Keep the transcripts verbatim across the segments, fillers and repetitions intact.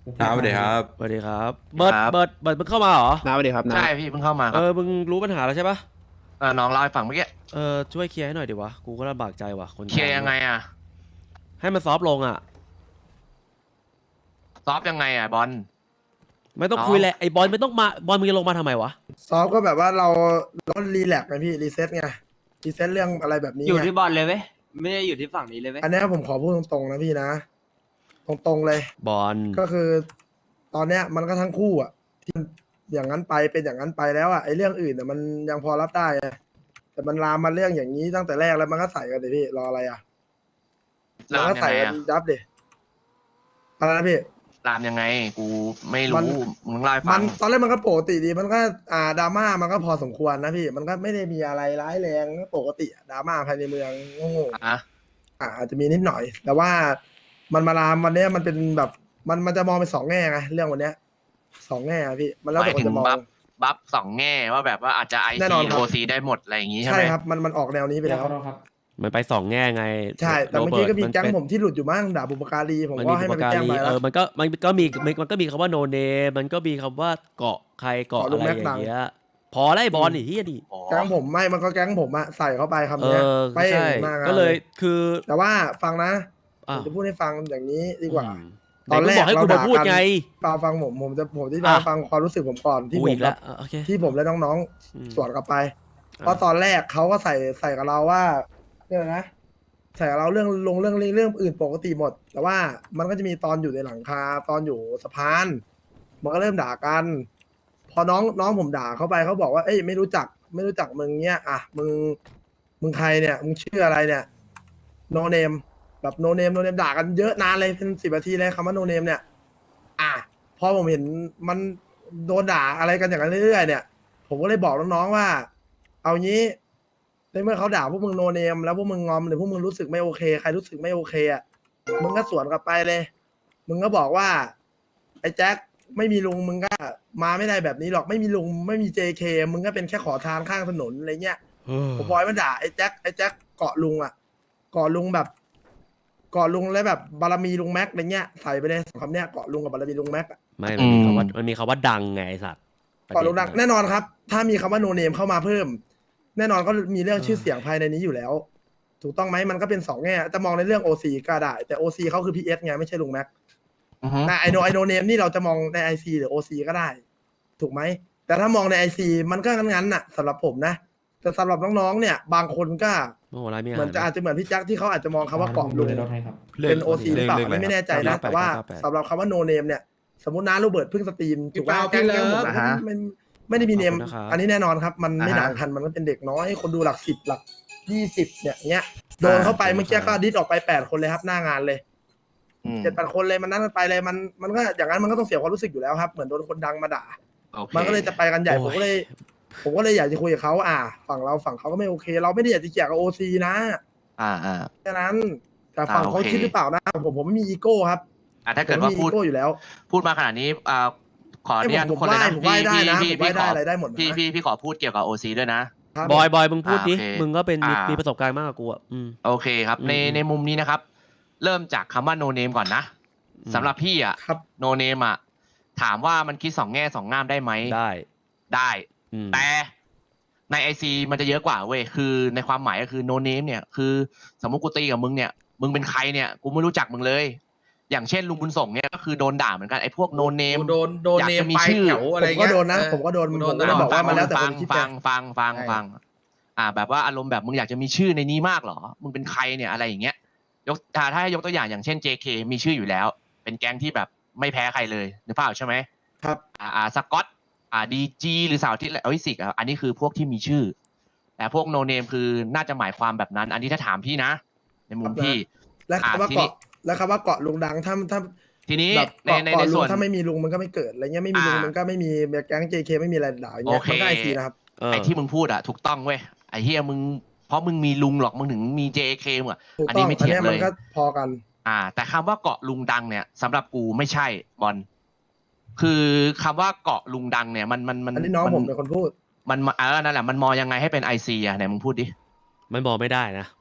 ครับสวัสดีครับสวัสดีครับเบิร์ดครับเบิร์ดเบิร์ดมึงเข้ามาเหรอน้าสวัสดีครับน้าใช่พี่เพิ่งเข้ามาคเอรับอมึงรู้ปัญหาแล้วใช่ปะเออน้องเล่าให้ฟังเมื่อกี้เออช่วยเคลียร์ให้หน่อยดิวะกูก็ลำบากใจว่ะคนเคลียร์กลางด้วยยังไงอ่ะให้มันซอฟต์ลงอ่ะซอฟยังไงอ่ะบอลไม่ต้องน้องคุยแหละไอ้บอลไม่ต้องมาบอลมึงจะลงมาทำไมวะซ้อมก็แบบว่าเราเรารีแลกซ์ไงพี่รีเซ็ตไงรีเซ็ตเรื่องอะไรแบบนี้อยู่ไงที่บอลเลยเว้ยไม่ได้อยู่ที่ฝั่งนี้เลยเว้ยอันนี้ผมขอพูดตรงๆนะพี่นะ ตรงๆเลยบอลก็คือ ตอนเนี้ยมันก็ทั้งคู่อ่ะที่อย่างนั้นไปเป็นอย่างนั้นไปแล้วอ่ะไอ้เรื่องอื่นอ่ะมันยังพอรับได้ไงแต่มันลามมาเรื่องอย่างนี้ตั้งแต่แรกแล้วมันก็ใส่กันเลยพี่รออะไรอ่ะมัราน มก็ยังใส่ไงกันอ่ะยับดิอะไรนะพี่รามยังไง กูไม่มัรู้นมึงเล่าให้มัฟันงตอนแรกมันก็ปกติดีมันก็อ่าดราม่ามันก็พอสมควรนะพี่ มันก็ไม่ได้มีอะไรร้ายแรงก็ปกติอะดราม่าภายในเมืองโง่ๆอ่ะอ่าอาจจะมีนิดหน่อย แต่ว่ามันมาลามวันเนี้ยมันเป็นแบบมันมันจะมองเป็นสองแง่ไงเรื่องวันเนี้ยสองแง่อะพี่มันแล้วหมาแต่ยคนถึงจะมองบัฟบัฟสองแง่ว่าแบบว่าอาจจะไอแน่นซีอนครับโอซีได้หมดอะไรอย่างงี้ใช่ใช่ไหมครับมันมันออกแนวนี้ไปแล้วมันไปสองแง่ไงใช่แต่โรเมื่อบิกี้ร์ตก็มีนแก๊งเป็นผมที่หลุดอยู่มั่งด่าบุปการีผมมันก็มีให้บุมันปไปกาแจ้งรีไปเอแล้วอมันก็มันก็มีมันมันก็มีคำว่าโนเนมันก็มีคำว่าเกาะใครเกาะเกาะลุอะงไรแม็อกดัย่าง งเงี้ยพอแล้วไอ้บอลนี่เฮียดิอ๋อแก๊งผมไม่มันก็แก๊งผมอะใส่เข้าไปคำเอเนี้ยอไปใช่หน้างานก็เลยคือแต่ว่าฟังนะผอ่ะมจะพูดให้ฟังอย่างนี้ดีกว่าอืมตอนแรกไหมึงบอกให้กูเรามาด่าพูดกันไงฟังฟังผมผมจะผมที่อ่ะมาฟังความรู้สึกผมก่อนที่กูผมอีกแบแล้วบอ่ะโอเคที่ผมและน้องอืมๆสวนกลับไปอ่ะเพราะตอนแรกเขาก็ใส่ใส่กับเราว่าเรื่องอะไรนะใส่กับเราเรื่องลงเรื่องเรื่องอื่นปกติหมด แต่ว่ามันก็จะมีตอนอยู่ในหลังคาตอนอยู่สะพานมันก็เริ่มด่ากัน พอน้องน้องผมด่าเขาไปเขาบอกว่าเอ้ยไม่รู้จักไม่รู้จักมึงเนี้ยอ่ะมึงมึงใครเนี่ยมึงชื่ออะไรเนี่ยโนเนมแบบโนเนมโนเนมด่ากันเยอะนานเลยเป็นสิบนาทีเลยคำว่าโนเนมเนี่ย อ่ะพอผมเห็นมันโดนด่าอะไรกันอย่างนั้นเรื่อยๆเนี่ย ผมก็เลยบอกน้องๆว่า เอางี้ในเมื่อเขาด่าพวกมึงโนเนมแล้วพวกมึงงอมหรือพวกมึงรู้สึกไม่โอเคใครรู้สึกไม่โอเคอ่ะมึงก็สวนกลับไปเลย มึงก็บอกว่า ไอ้แจ็คไม่มีลุงมึงก็มาไม่ได้แบบนี้หรอกไม่มีลุงไม่มี เจ เค มึงก็เป็นแค่ขอทานข้างถนนอะไรเงี้ย ผมบอยมันด่าไอ้แจ็คไอ้แจ็คเกาะลุงอ่ะเกาะลุงแบบเกาะลุงแล้วแบบบารมีลุงแม็กอะไรเงี้ยใส่ไปเลยสองคำเนี้ยเกาะลุงกับบารมีลุงแม็กอะไม่มันมีคำว่ามันมีคำว่าดังไงไอ้สัตว์เกาะลุงดังแน่นอนครับ ถ้ามีคำว่าโนเนมเข้ามาเพิ่ม แน่นอนก็มีเรื่องชื่อเสียงภายในนี้อยู่แล้ว ถูกต้องไหมมันก็เป็นสองแง่จะมองในเรื่องโอซีก็ได้ แต่โอซีเขาคือพีเอสไงไม่ใช่ลุงแม็กอือฮึแต่ไอโนไอโนเนมนี่เราจะมองในไอซีหรือโอซีก็ได้ ถูกไหมแต่ถ้ามองในไอซีมันก็งั้นๆน่ะสำหรับผมนะแต่สำหรับน้องๆเนี่ย บางคนก็โอ้โหอะไรมีอาเหมืหาอนรจะอาจจะเหมือนพี่แจ็คที่เขาอาจจะมองคำว่าเกาะลุงเรื่เป็นโอซีหรือเปล่าเงอันนี้ไม่แน่ใจนะเก้าแปดแต่ว่าเก้าแปดสำหรับคำว่าโนเนมเนี่ย สมมติน้าโรเบิร์ตเพิ่งสตรีมถูกไหมพี่แก๊งเปาแก๊งผมอ่าฮะไม่ไม่ได้มีเนมขอบคุณนะครับอันนี้แน่นอนครับ มันไม่อ่าฮะด่างกันมันก็เป็นเด็กน้อยคนดูหลักสิบหลักยี่สิบเนี่ยเงี้ยโดนเข้าไปเมื่อกี้ก็ดิสออกไปแปดคนเลยครับหน้างานเลยอืมเจ็ดแปดคนเลยมันนั่นไปเลยมันมันก็อย่างนั้นมันก็ต้องเสียความรู้สึกอยู่แล้วครับเหมือนโดนคนดังมาด่าโอเคมันก็เลยจะไปกันใหญ่โอ้ยผมก็เลย ผมก็เลยอยากจะคุยกับเขาอ่า ฝั่งเราฝั่งเขาก็ไม่โอเค เราไม่ได้อยากจะเกลียดกับโอซีนะอ่าอ่าแค่นั้น แต่ฝั่งอ่าเขาโอเคคิดหรือเปล่านะผมผมไม่มีอีโก้ครับอ่าถ้าผเกิมดไม่ว่ามีพูอีดโก้อยู่แล้วพูดมาขนาดนี้อ่าขออนุญาตผมทุกคนเลยนะผมไหว้ผมไหว้ได้นะพี่ผมไหว้พี่ได้ขออะไรได้หมดนะพี่พี่พี่ขอพูดเกี่ยวกับโอซีด้วยนะครับบอยบอยมึงพูดดิอ่าโอเคมึงก็เป็นมีอ่ามีมีประสบการณ์มากกว่ากูอ่ะอืมโอเคครับ ในอืมในมุมนี้นะครับ เริ่มจากคำว่า no name ก่อนนะอืมสำหรับพี่อ่ะครับ no name อ่ะถามว่ามันคิดสองแง่สองงามได้ไหมได้ได้อืมแต่ในไอซีมันจะเยอะกว่าเว้ยคือในความหมายก็คือ no name เนี่ยคือสมมติกูตีกับมึงเนี่ยมึงเป็นใครเนี่ยกูไม่รู้จักมึงเลย อย่างเช่นลุงบุญส่งเนี่ยก็คือโดนด่าเหมือนกันไอ้พวก no name โดนโดนอยากเนจะมมีไปชื่อแถวอะไรผมก็เงี้ยโดนนะเออผมก็โดนกูผมโดนก็เลยตลอดบอกว่ามันแล้วแต่ฟัคงนคิดฟัแต่งฟังฟังใช่ฟังอ่า แบบว่าอารมณ์แบบมึงอยากจะมีชื่อในนี้มากเหรอ มึงเป็นใครเนี่ยอะไรอย่างเงี้ยยกถ้าถ้าให้ยกตัวอย่างอย่างเช่น เจ เค มีชื่ออยู่แล้ว เป็นแก๊งที่แบบไม่แพ้ใครเลยนึกภาพออกใช่ไหมครับอ่าอ่าสกอตอ่าดีจีหรือสาวที่เอ้ยสิกอ่ะอันนี้คือพวกที่มีชื่อ แต่พวกโนเนมคือน่าจะหมายความแบบนั้น อันนี้ถ้าถามพี่นะ ในมุมพี่และอ่าคำว่าทีนี้เกาะและคำว่าเกาะลุงดังถ้าถ้าทีนี้แบบในเกาะในเกาะในลุส่งวนถ้าไม่มีลุงมันก็ไม่เกิดอะไรเงี้ยไม่มีลุงอ่ามัมันก็ไม่มีแก๊ง เจ เค ไม่มีอะไรด่าอย่างเงี้ยโอเคมันก็ไอซีนะครับเออไอ้ที่มึงพูดอะถูกต้องเว้ยไอ้เฮียมึงเพราะมึงมีลุงหรอกมึงถึงมี เจ เค มึงอะถูกอันต้นี้องไม่อันเถียงเนี้ยเลมันยก็พอกันอ่า แต่คำว่าเกาะลุงดังเนี่ยสำหรับกูไม่ใช่บอลคือคำว่าเกาะลุงดังเนี่ยมันมันมันอันนี้น้องมัผมเป็นคนพูดมันเออนั่นแหละมันมองยังไงให้เป็นไอซีอะไหนมึงพูดดิมันบอกไม่ได้นะ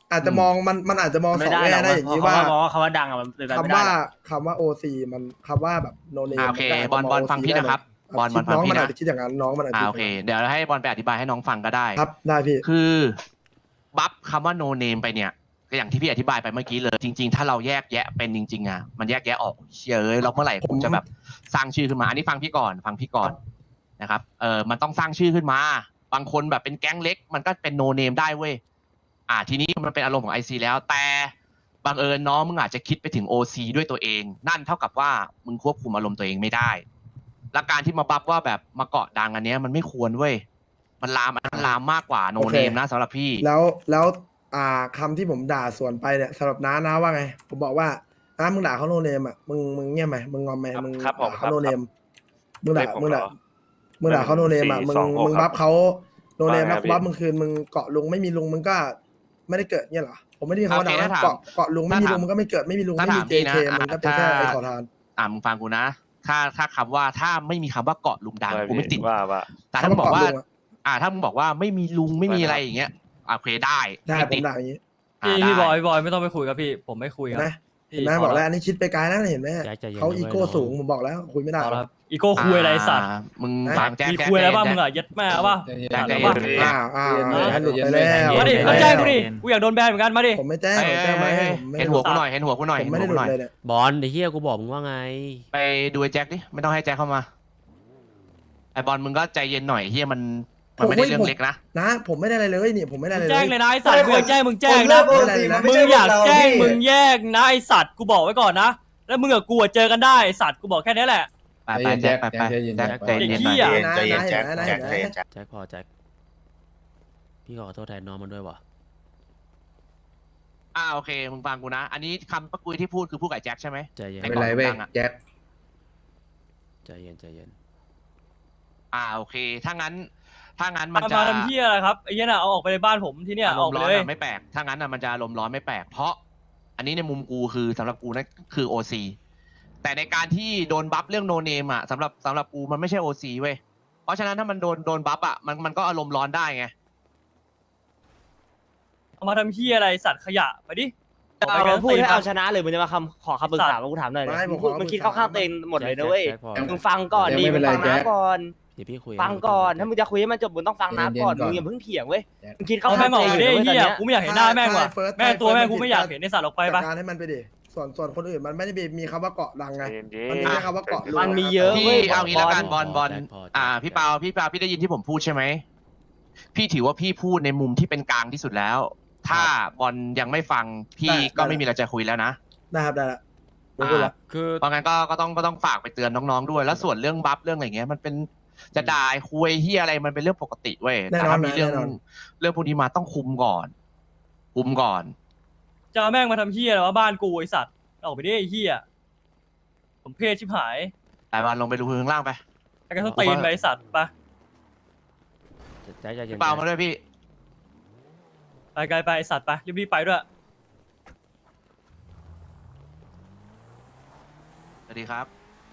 อาจจะมองมันมันอาจจะมองสไม่องได้แง่หรอกได้อย่างนี้เพราะว่าว่าบอกว่าคำว่าดังอะมันเป็นไปไม่คำได้ว่าหรอกคำว่าโอซีมันคำว่าแบบโนเนมอ่าโอเคบอลบอลฟังพี่นะครับบอลบอลฟังน้องพี่มันนะอาจจะคิดอย่างนั้นน้องมันอาจจะอ่าคิดโอเค เดี๋ยวให้บอลไปอธิบายให้น้องฟังก็ได้ครับได้พี่คือบัฟคำว่า no name ไปเนี่ยก็อย่างที่พี่อธิบายไปเมื่อกี้เลย จริง ๆ ถ้าเราแยกแยะเป็นจริงๆอ่ะมันแยกแยะออกเชื่อเอ้ยเราเมื่อไหร่ผมจะแบบสร้างชื่อขึ้นมาอันนี้ฟังพี่ก่อนฟังพี่ก่อนนะครับเออมันต้องสร้างชื่อขึ้นมาบางคนแบบเป็นแก๊งเล็ก มันก็เป็น no name ได้เว้ยอ่าทีนี้มันเป็นอารมณ์ของ ไอ ซี แล้วแต่บังเอิญน้องมึงอาจจะคิดไปถึง โอ ซี ด้วยตัวเอง นั่นเท่ากับว่ามึงควบคุมอารมณ์ตัวเองไม่ได้และการที่มาบัฟว่าแบบมาเกาะดังอันเนี้ยมันไม่ควรเว้ยมันลามอันนั้นลามมากกว่า no name นะสำหรับพี่แล้วแล้วอ่าคำที่ผมด่าสวนไปเนี่ยสำหรับน้านะว่าไง ผมบอกว่าน้ามึงด่าเขาโนเนมอ่ะมึงมึงเงียบไหมมึงงอมไหมมึงครับผมด่าครัเขาบโนเนมมึงด่าเลขผมมึงด่าเหรอมึงด่าเขาโนเนมอ่ะมึงหนึ่งสี่สองหกมึงบัฟเขาโนเนมว่าไงแล้วพี่บัฟมึงคืนมึงเกาะลุงไม่มีลุงมึงก็ไม่ได้เกิดเนี่ยเหรอผมไม่ได้มีคำว่าโอเคด่านะถ้าถามเกาะเกาะลุงไม่มีถ้าถามลุงมึงก็ไม่เกิดไม่มีลุงถ้าไม่มีถามเจพี่นะเคมันก็เป็นแค่ถ้าไอ้ขอทานอ่ามึงฟังกูนะ ถ้าถ้าคำว่าถ้าไม่มีคำว่าเกาะลุงดังกูไม่ติดว่าว่าแต่ถ้ามึงบอกว่าคำว่าเกาะลุงอะอ่า ถ้ามึงบอกว่าไม่มีลุงไม่มีอะไรอย่างเงี้ยอ่าโอเคได้ได้ไม่ผติมดด่าอย่างนี้อ่าพี่พี่บได้อยพี่บอยไม่ต้องไปคุยกับพี่ ผมไม่คุยเห็คน รับไหมพี่เห็นไหมพบอกละแล้วอันนี้คิดไปไกลนะเห็นไหมใจใจเย็นเขานะอีเว้ยโก้น้องสูงผมบอกแล้วคุยไม่ได้เอาหรละอกครับอีโก้คุยอะไรสัตว์อ่ามึงนะฟังแจ๊คมีแจ๊คคุยอะไรบ้างแจ๊คมึงอ่ะยัดแม่ป่ะแจ๊คแจ๊คว่าแจ๊คอ่าอ่าให้หลุดไปแล้วมาดิหลุมาดไปแจ้งแล้วกูดิกูอยากโดนแบนเหมือนกันมาดิผมไม่แจ้งเอ้ยผมแจ้งไหมเอ้ยผมไม่เห็นหัวกูหน่อยเห็นหัวกูหน่อยผมเห็นไม่หัได้วหกูลุดหน่อยเลยเนี่ยบอลไอ้เหี้ยกูบอกมึงว่าไงไปดูไอ้แจ็คดิไม่ต้องให้แจ็คเข้ามาไอบอลมึงก็ใจเย็นหน่อยเฮียมันมันไม่ได้เรื่องเล็กนะนะผมไม่ได้อะไรเลยนี่ผมไม่ได้อะไรแจ้งเลเลย ยนะไอสัตว์กูอยากแจ้งมึงแจ้งเลินะกโอซีมันไม่มึงใช่อยากพวเรแจ้งพี่มึงแยกนะไอสัตว์กูบอกไว้ก่อนนะแล้วมึงกับกูอะเจอกันได้ไอ้สัตว์กูบอกแค่นี้แหละไปไปแจ็คไปไปใจเย็นแจ็คแจ็คใจเย็นหน่อยไอ้เหี้ยใจเย็นแจ็คนะนะแจ็คนะใจเย็นแจ็คแจ็คพอแจ็คพี่ขอโทษแทนน้องมันด้วยว่ะอ่าโอเคมึงฟังกูนะ อันนี้คำปะกุยที่พูดคือพูดกับแจ็คใช่ไหมใจเย็นไม่ไม่เป็นไรเว้ยแจ็คใจเย็นใจเย็นอ่าโอเค ถ้างั้น ถ้างั้นมันมาจะมาทำเพี้ยอะไรครับไอ้เหี้ยน่ะเอาออกไปในบ้านผมที่เนี่ยอารออมกณ์ไปร้อนเลยอะไม่แปลก ถ้างั้นอะมันจะอารมณ์ร้อนไม่แปลก เพราะ อันนี้ในมุมกูคือสำหรับกูนั่นคือโอซีแต่ในการที่โดนบัฟเรื่องโนเนมอะสำหรับสำหรับกูมันไม่ใช่โอซีเว้ย เพราะฉะนั้นถ้ามันโดนโดนบัฟอะมันมันก็อารมณ์ร้อนได้ไงเอามาทำเพี้ยอะไรสัตว์ขยะไปดิออกไปเอากันพูดให้ตีนเอาปะชนะเลยมึงจะมาคำขอคำปรึกษามากูถามหน่อยดิไม่ผมมึงขอมึงคิดเข้าข้างตัวเองหมดเลยนะเว้ยแจ็คพอมึงฟังก่อนดิไม่มึเป็นงไรฟังแจ็น้าคก่อนเดี๋ยวพี่คุยฟังก่อนถ้ามึงจะคุยให้มันจบมึงต้องฟังน้าก่อนเย็นๆก่อนมึงอย่าเพิ่งเถียงเว้ยแจ็คมึงคิดเข้าเอาข้าแม่งงอตัวอกเองไปดิเลยเว้ยตอนเหี้ยเนี้ยกูไม่อยากเห็นหน้าแม่งว่ะใช่ First แม่ตัวแม่ง First กูไม่อยากเห็นในสัตว์ออกไปจัดปะการให้มันไปดิส่วนส่วนคนอื่นมันไม่ได้มีคำว่าเกาะดังไงเย็นมันมีแค่คำว่าเกาะลุงมันมีเยอะพี่เว้ยเอางี้แล้วกันบอลบอลแจ็คพแจ็คอ่า พี่เปาพี่เปาพี่ได้ยินที่ผมพูดใช่ไหม พี่ถือว่าพี่พูดในมุมที่เป็นกลางที่สุดแล้ว ถ้าบอลยังไม่ฟังพี่ได้ก็ได้ไม่มีอะไรจะคุยแล้วนะได้ครับได้ละผมพูดละคือเพราะงั้นก็ก็ต้องก็ต้องฝากไปเตือนน้องๆด้วย แล้วส่วนเรื่องบัฟเรื่องอะไรเงี้ยมันเป็นจะด่าคุยเฮียอะไรมันเป็นเรื่องปกติเว้ยแน่แต่นอนถ้ามีนะเรื่องแน่นอนเรื่องพวกนี้มาต้องคุมก่อน คุมก่อนจะเอาแม่งมาทำเพี้ยอะไรวะบ้านกูไอสัตว์ออกไปดิไอ้เหี้ยผมเพศชิบหายแต่บอลลงไปดูพื้นข้างล่างไปไอ้กระต้องตีนไปไอ้สัตว์ไปแจ็คใจเย็นพี่เปามาด้วยพี่ไปไกลไปไอ้สัตว์ไปรีบๆไปด้วยสวัสดีครับ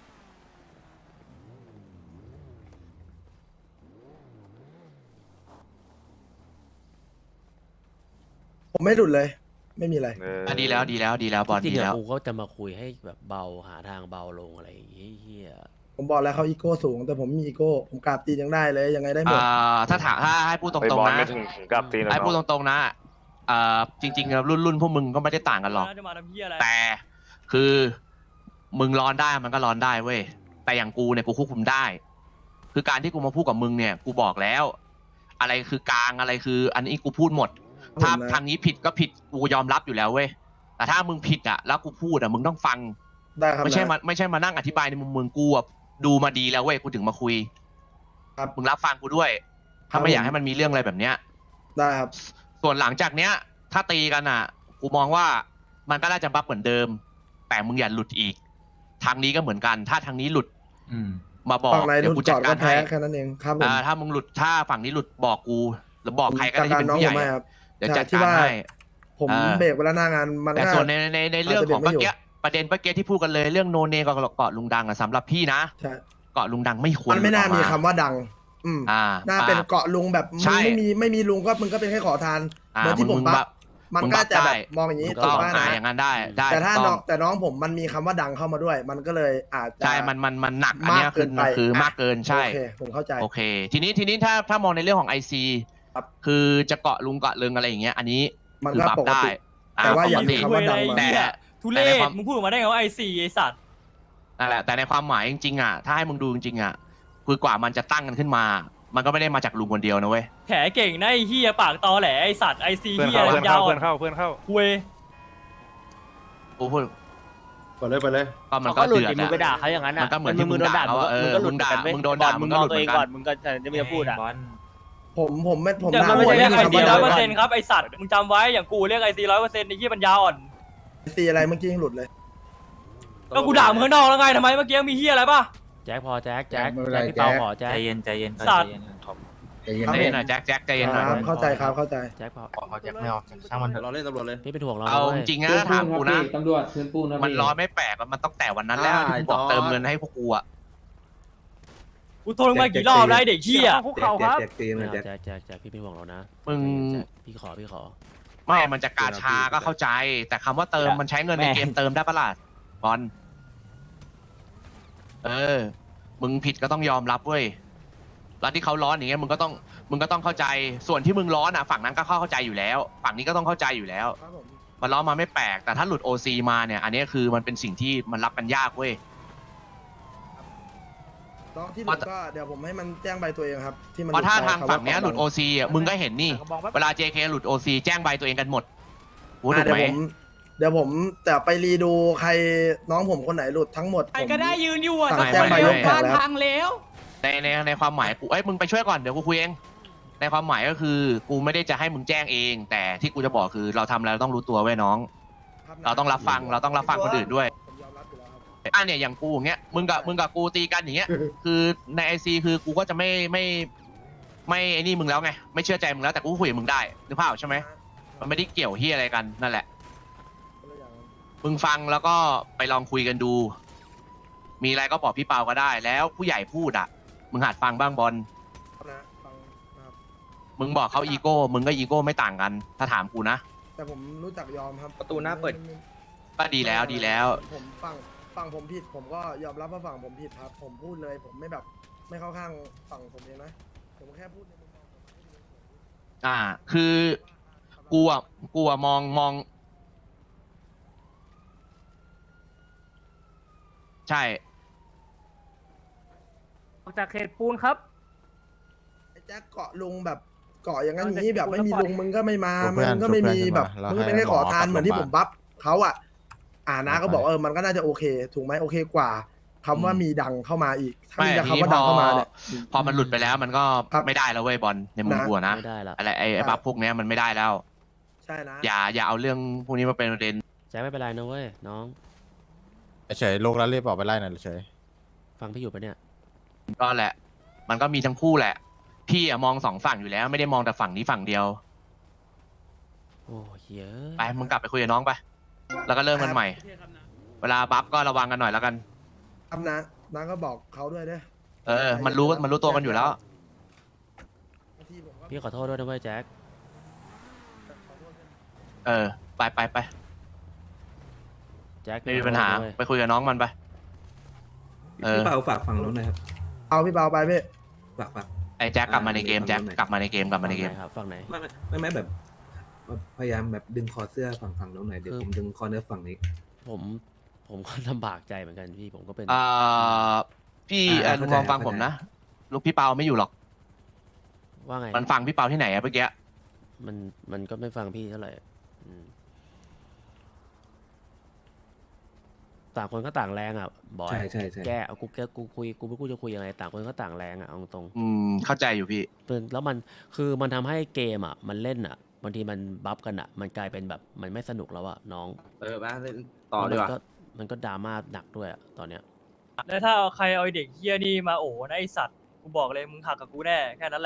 ผมไม่หลุดเลย ไม่มีอะไรๆเอออ่ะดีแล้วดีแล้วดีแล้วบอลจริดีงๆแล้อะวกูก็จะมาคุยให้แบบเบาหาทางเบาลงอะไรอย่างเงี้ยเฮียผมบอกแล้วเขาอีโก้สูง แต่ผมมีอีโก้ผมกราบตีนยังได้เลยยังไงได้หมดอ่าถ้าถามถ้าให้พูดตไปรงบอลๆไม่นะถึงถึงกับตีนหรอกให้พูดตเนาะรงๆนะอ่าจริงๆแล้วรุ่นรุ่นพวกมึงก็ไม่ได้ต่างกันหรอกจะมาทำเพี้ยอะไรแต่คือมึงร้อนได้มันก็ร้อนได้เว้ยแต่อย่างกูเนี่ยกูควบคุมได้ คือการที่กูมาพูดกับมึงเนี่ย กูบอกแล้ว อะไรคือกลางอะไรคือ อันนี้กูพูดหมด ถ้าผมนะทางนี้ผิดก็ผิดกูยอมรับอยู่แล้วเว้ยแต่ถ้ามึงผิดอ่ะแล้วกูพูดอ่ะมึงต้องฟังได้ครับไม่ใช่นะมาไม่ใช่มานั่งอธิบายในมุมมึงกูอ่ะดูมาดีแล้วเว้ยกูถึงมาคุยครับมึงรับฟังกูด้วย ถ้าไม่อยากให้มันมีเรื่องอะไรแบบเนี้ยได้ครับส่วนหลังจากเนี้ย ถ้าตีกันอ่ะ กูมองว่ามันก็น่าจะบัฟเหมือนเดิม แต่มึงอย่าหลุดอีก ทางนี้ก็เหมือนกัน ถ้าทางนี้หลุดอืมมาบอกฝั่งไหนหเดี๋ยลุวดกูจจัอดดกาก็รแพ้ให้แค่นั้นเองครับผมอ่าถ้ามึงหลุดถ้าฝั่งนี้หลุดบอกกู หรือบอกใครก็ได้ที่เป็นน้องผู้ใหผญ่มไม่ครับเดี๋ยวใช่จัดที่การว่าให้ผมอ่าเบรกเวลาหน้างานมันแต่ก็ส่วนในในในเรื่องของอาจจะเบรกไม่เมื่อกี้อยู่ประเด็นเมื่อกี้ที่พูดกันเลยเรื่องโนเนกับเกาะลุงดังอะสำหรับพี่นะใช่เกาะลุงดังไม่ควรมันไม่น่าหลุมีดออกคำว่าดัง อืมอ่าน่าเป็นเกาะลุงแบบมึใช่งไม่มีไม่มีลุงก็มึงก็เป็นแค่ขอทานอ่าเหมือนที่ผมงบับัฟฟมันมึงก็บัฟจะแบได้บมองอย่างนี้ถูกถูต้กองป่ะอ่านะอย่างนั้นได้ได้แต่ถ้าถูกน้ต้ออง งแต่น้องผมมันมีคำว่าดังเข้ามาด้วย มันก็เลยอาจจะใช่มันมันมันหนักอันเนี้ยมากเกิคือนไปคืออ่ะมากเกินใช่โอเคผมเข้าใจโอเค ทีนี้ทีนี้ถ้าถ้ามองในเรื่องของไอซีครับคือจะเกาะลุงเกาะเริงอะไรอย่างเงี้ย อันนี้มันคือก็บัฟปกได้ติอ่แต่ว่าอย่าปกมีติคำว่าดังมาไอ้เหี้ยทุเรแต่ในศความมึงพูดออกมาได้ไงว่าไอซีไอสัตว์นั่นแหละแต่ในความหมายจริงๆอ่ะถ้าให้มึงดูจริงๆอ่ะคือกว่ามันจะตั้งกันขึ้นมา มันก็ไม่ได้มาจากลุงคนเดียวนะเว้ยแถเก่งนะไอ้เฮียปากตอแหลไอสัตว์ไอซีเพื่อนเฮียเข้าเพื่อนยาเข้าว เพื่อนอ่ะเข้าเพื่อนเข้าคุยกูพูดไปเลยไปเลยก็มันเขาก็ก็หลุดเดือดดิมึงอะไปด่าเขาอย่างนั้นมัอ่ะนก็เหมือนมึงมึงโดนด่าที่มึงด่ามึงก็ว่าเออมึงก็หลุดเหมือนกันเว้ยมึงโดนด่าบอลมึงมึงก็มหอลุงดตัวเองเหมือนกันก่อนมึงก็จะไม่จะพูดอ่ะผมผมไม่ผมแต่ด่ามันไม่ใช่เรียกไอคำซีว่าร้ดัอง ยเปอร์ก่อเซ็นต์ครับไอสัตว์มึงจำไว้อย่างกูเรียกไอซีร้อยเปอร์เซ็นต์ไอ้เฮียปัญญาอ่อนซีอะไรเมื่อกี้ยังหลุดเลยก็กูด่ามึงข้างนอกแล้วไงทำไมเมื่อกี้มีเฮียอะไรป่ะแจ็คพอแจ็คแจ็คไม่เป็นไรแจ็คพี่เปาแจ็คขอแจ็คใจเย็นใจเย็นก่อนสัตว์ใจเย็นก่อนท็อปใจเย็นใจเย็นหน่อยแจ็คแจ็คใจเย็นหน่อยครับเข้าใจครับเข้าใจแจ็คพอขอขอแจ็คไม่เอาช่างมันเถอะรอเล่นตำรวจเลยพี่เป็นห่วงเราเอานะว้จยริงๆนะถ้าถามกูนะตำรวจคืนปูนนะมันร้อนไม่แปลกอะมันต้องแต่วันนั้นแล้วอ่าที่กูบอกไอ้จอร์จเติมเงินให้พวกกูอะกูโทรมากี่รอบแล้วไอ้เด็กเฮียพวกเขาครับไม่เอาแจ็คแจ็คแจ็คพี่เป็นห่วงเรานะมึงแจ็คพี่ขอพี่ขอไม่มันจะกาชาก็เข้าใจ แต่คำว่าเติมมันใช้เงินในเกมเติมได้ปะล่ะบอลเออ มึงผิดก็ต้องยอมรับเว้ยแล้วที่เขาร้อนอย่างเงี้ยมึงก็ต้องมึงก็ต้องเข้าใจส่วนที่มึงร้อนอ่ะฝั่งนั้นก็เข้าใจอยู่แล้ว ฝั่งนี้ก็ต้องเข้าใจอยู่แล้วครับผมมันร้อนมาไม่แปลกแต่ถ้าหลุด โอ ซี มาเนี่ย อันนี้คือมันเป็นสิ่งที่มันรับกันยากเว้ยน้องที่หลุดก็เดี๋ยวผมให้มันแจ้งใบตัวเองครับ ที่มันเพราะถ้าไปทางฝั่งเนี้ยหลุด โอ ซี อ่ะมึงก็เห็นนี่กระบองแป๊บเวลา เจ เค หลุด โอ ซี แจ้งใบตัวเองกันหมดพูดอ่ะถูกเดี๋ยวไหมผมเดี๋ยวผมแต่ไปรีดูใครน้องผมคนไหนหลุดทั้งหมดใครก็ได้ยืนอยู่อ่ะสั่งแจ้งใบยกแผงแล้วพังแล้วในในในความหมายกูเอ้ยมึงไปช่วยก่อนเดี๋ยวกูคุยเองในความหมายก็คือกูไม่ได้จะให้มึงแจ้งเอง แต่ที่กูจะบอกคือเราทำแล้วต้องรู้ตัวไว้น้อง เราต้องรับฟังเราต้องรับฟังคนอื่นด้วยผมยอมรับอยู่แล้วครับอ่ะเนี่ยอย่างกูอย่างเงี้ยมึงกับมึงกับกูตีกันอย่างเงี้ย คือในไอซีคือกูก็จะไม่ไม่ไม่ไอ้นี่มึงแล้วไงไม่เชื่อใจมึงแล้วแต่กูคุยกับมึงได้นึกภาพออกใช่ไหมมันไม่ได้เกี่ยวเฮียอะไรกันนั่นแหละ มึงฟังแล้วก็ไปลองคุยกันดู มีอะไรก็บอกพี่เปาก็ได้ แล้วผู้ใหญ่พูดอ่ะ มึงหัดฟังบ้างบอลนะฟังนะครับมึงบอกเขาอีโก้ มึงก็อีโก้ไม่ต่างกัน ถ้าถามกูนะแต่ผมรู้จักยอมครับประตูหน้าเปิดก็ดีแล้วดีแล้วผมฟังฟังผมผิด ผมก็ยอมรับว่าฝั่งผมผิดครับ ผมพูดเลย ผมไม่แบบไม่เข้าข้างฝั่งผมเองนะ ผมแค่พูดในมุมมองผมอ่า คือกูอ่ะกูอ่ะมองมอง ใช่ออกจากเขตปูนครับไอ้แจ็คเกาะลุงแบบเกาะอย่างนั้นอย่างนี้เอาแต่แบบไม่มีพูดแล้วลุงมึงก็ไม่มาชุบเพื่มึอนงก็ไม่มีชุบเพื่อนแบบขึ้นมามึงก็เป็นแค่แล้วให้ขอทานหมอเหมือนที่กลัผบมมาบัฟเขาอ่ะ อ่านะก็ไปบอกเออมันก็น่าจะโอเค ถูกไหมโอเคกว่าคำว่าอืมมีดังเข้ามาอีก ถ้าไม่มีแต่ทีนี้คำว่าดังพอเข้ามาเนี่ยพอมันหลุดไปแล้วมันก็ครับไม่ได้แล้วเว้ยบอลในมุมนะกูอะนะไม่ได้ละอะไรไอ้ไอ้ใช่บัฟพวกเนี้ยมันไม่ได้แล้วใช่นะอย่าอย่าเอาเรื่องพวกนี้มาเป็นประเด็นแจ็คไม่เป็นไรนะเว้ยน้องเฉยโลกแล้วรีบออกไปไล่หน่อยเฉยฟังพี่อยู่ปะเนี่ยก็แหละ มันก็มีทั้งคู่แหละ พี่อะมองสองฝั่งอยู่แล้ว ไม่ได้มองแต่ฝั่งนี้ฝั่งเดียวโอ้เหี้ยไปมึงกลับไปคุยกับน้องไป แล้วก็เริ่มกันใหม่ เวลาบัฟก็ระวังกันหน่อยแล้วกันครับนะนะก็บอกเขาด้วยเด้อเออ มันรู้มันรู้ตัวกันอยู่แล้วบางทีผมก็พี่ขอโทษด้วยนะเว้ยแจ็คขอโทษด้วยเออ ไปไปไปแจ็คไม่มีปัญหาขอโทษด้วยไปคุยกับน้องมันไป เออพี่เปาฝากฝั่งนู้นหนะครับเอาพี่เบาไปพี่ฝากฝากไอ้แจ็คกลับมาในเกมอ่าแจ็คฝั่งไหนกลับมาในเกมกลับมาในเกมฝั่งไหครับฝั่งไหนไม่ไม่ไม่ไม่แบบพยายามแบบดึงคอเสื้อฝั่งฝั่งนู้นหน่อยเดี๋ยวคือผมดึงคอเนื้อฝั่งนี้ผมผมก็ลำบากใจเหมือนกันพี่ผมก็เป็นเอ่อ พี่เอ่อลุงลองฟังผมนะ ลูกพี่เปาไม่อยู่หรอกว่าไงมันฟังพี่เปาที่ไหนอะเมื่อกี้มันมันก็ไม่ฟังพี่เท่าไหร่อืมต่างคนก็ต่างแรงอ่ะบอยใช่ใช่ใช่แกเอากูแกกูคุยกูไม่กูจะคุยยังไงต่างคนก็ต่างแรงอ่ะเอาตรงอืม เข้าใจอยู่พี่ๆเป็นแล้วมันคือมันทำให้เกมอ่ะ มันเล่นอ่ะบางทีมันบัฟกันอ่ะ มันกลายเป็นแบบมันไม่สนุกแล้วอ่ะน้องเออบ้าเล่นต่อดีกว่ามันก็มันก็ดราม่าหนักด้วยอ่ะตอนเนี้ยแล้วถ้าเอาใครเอาไอ้เด็กเฮียนี่มาโอ้นะไอสัตว์กูบอกเลยมึงหักกับกูแน่แค่นั้นแหละ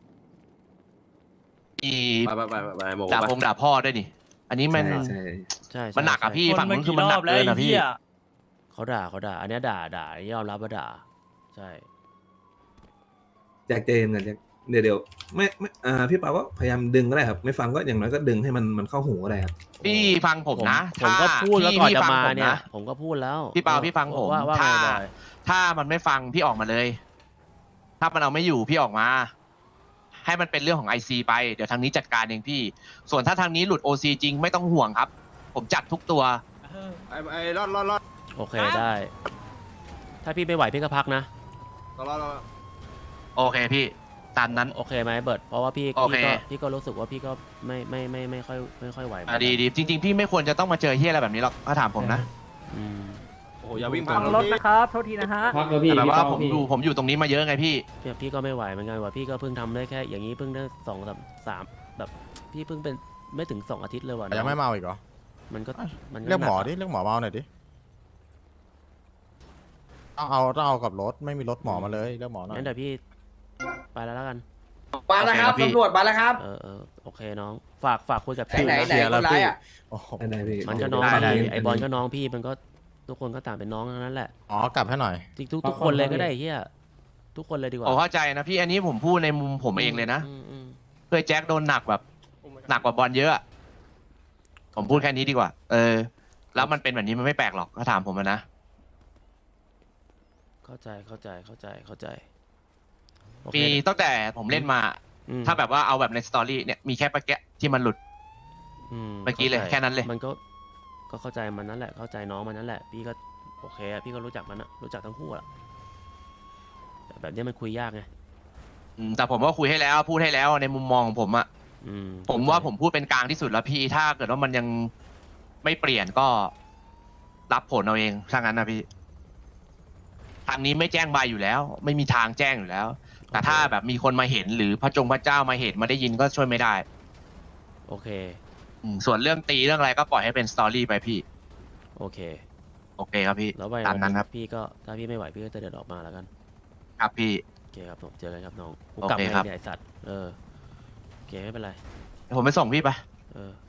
อีไปไปไปไปโมด่าพงด่าพ่อด้วยนี่ อันนี้มันใช่ใช่ใช่มันหนักอะใช่พี่คนฝั่งมานู้นคือกี่มันรหนัอก บเกิแล้วนไอ้อะพี่เฮียเขาด่าเขาด่า อันเนี้ยด่าด่ายอมรับว่าด่า ใช่แจ็คเจนกันแจ็คเดี๋ยวเดี๋ยวไม่ไม่อ่าพี่เปาก็พยายามดึงก็ได้ครับ ไม่ฟังก็อย่างน้อยก็ดึงให้มันมันเข้าหูก็ได้ครับพี่ฟังผมนะผมก็ถ้าพูดแล้วพี่ก่อนพี่จะฟังมาผมเนี่ยนะผมก็พูดแล้วพี่เปาพี่ฟังผมว่าว่าไงถ้าบอยถ้ามันไม่ฟังพี่ออกมาเลย ถ้ามันเอาไม่อยู่พี่ออกมา ให้มันเป็นเรื่องของไอซีไปเดี๋ยวทางนี้จัดการเองพี่ ส่วนถ้าทางนี้หลุดโอซีจริงไม่ต้องห่วงครับ ผมจัดทุกตัวไอ้ไอ้รอดรอดรอดโอเคได้ ถ้าพี่ไม่ไหวพี่ก็พักนะรอดรอดรอดโอเคพี่ตามนั้นโอเคไหมเบิร์ดเพราะว่าพี่โอเคพี่ก็พี่ก็รู้สึกว่าพี่ก็ไม่ไม่ไม่ไม่ค่อยไม่ค่อยไหวอ่ะดีดีจริง ๆ พี่ไม่ควรจะต้องมาเจอเฮียอะไรแบบนี้หรอกถ้าถามผมนะอืมโอ้โหอย่าวิ่งฟัผ่านงรถนะครับโทษทีนะฮะพักแล้วพี่แต่แบบพี่ว่าเปาผมพี่อยู่ผมอยู่ตรงนี้มาเยอะไงพี่พี่พี่ก็ไม่ไหวเหมือนกันว่าพี่ก็เพิ่งทำได้แค่อย่างนี้เพิ่งได้สองสามสามแบบพี่เพิ่งเป็นไม่ถึงสองอาทิตย์เลยว่ะยังไม่เมาอีกเหรอมันก็มันก็เรียกหมอนัะดิเรียกหมอเมาหน่อยดิต้องเอาต้องเอากับรถไม่มีรถหมอมาเลยเรียกหมอหน่อยงั้นเดี๋ยวพี่ไปแล้วแล้วกันมาแล้วครับตำรวจมาแล้วครับเออเออโอเคน้องฝากฝากคุยกับไหนไหนพี่นะคนร้ายอ่ะโอ้โหได้ได้พี่มันก็น้องได้ได้พี่ไอบอลก็น้องพี่มันก็ทุกคนก็ต่างเป็นน้องทั้งนั้นแหละอ๋อกลับให้หน่อยจริงทุกทุกคนเลยก็ได้เฮียทุกคนเลยดีกว่าผมเข้าใจนะพี่อันนี้ผมพูดในมุมผมเองเลยนะมอืมเพื่อแจ็คโดนหนักแบบหนักกว่าบอลเยอะอะผมพูดแค่นี้ดีกว่า เออ แล้วมันเป็นแบบนี้มันไม่แปลกหรอกถ้าถามผมอะนะเข้าใจเข้าใจเข้าใจเข้าใจโอเคมีตั้งแต่ผมเล่นมาอืมถ้าแบบว่าเอาแบบในสตอรี่เนี่ยมีแค่ปะแกะที่มันหลุดอืเมื่อกี้เลยข้าใจแค่นั้นเลยมันก็ก็เข้าใจมันนั่นแหละเข้าใจน้องมันนั่นแหละ พี่ก็โอเคอะพี่ก็รู้จักมันอะรู้จักทั้งคู่อะแต่แบบนี้มันคุยยากไงอืมแต่ผมก็คุยให้แล้ว พูดให้แล้วในมุมมองของผมอะอืมผมว่าผมพูดเป็นกลางที่สุดแล้วพี่ถ้าเกิดว่ามันยังไม่เปลี่ยนก็รับผลเอาเองถ้างั้นนะพี่ทางนี้ไม่แจ้งใบอยู่แล้ว ไม่มีทางแจ้งอยู่แล้ว แต่ถ้าแบบมีคนมาเห็นหรือพระจงพระเจ้ามาเห็นมาได้ยินก็ช่วยไม่ได้โอเคอืมส่วนเรื่องตีเรื่องอะไรก็ปล่อยให้เป็นสตอรี่ไปพี่โอเคโอเคครับพี่แล้วไปตามนั้นครับพี่ก็ถ้าพี่ไม่ไหวพี่ก็จะเดินออกมาแล้วกันครับพี่โอเคครับผมเจอกันครับน้องกูโอกลับเคมาครับเนี่ยไอสัตว์เออโอเคไม่เป็นไรเดี๋ยวผมไปส่งพี่ไปเออ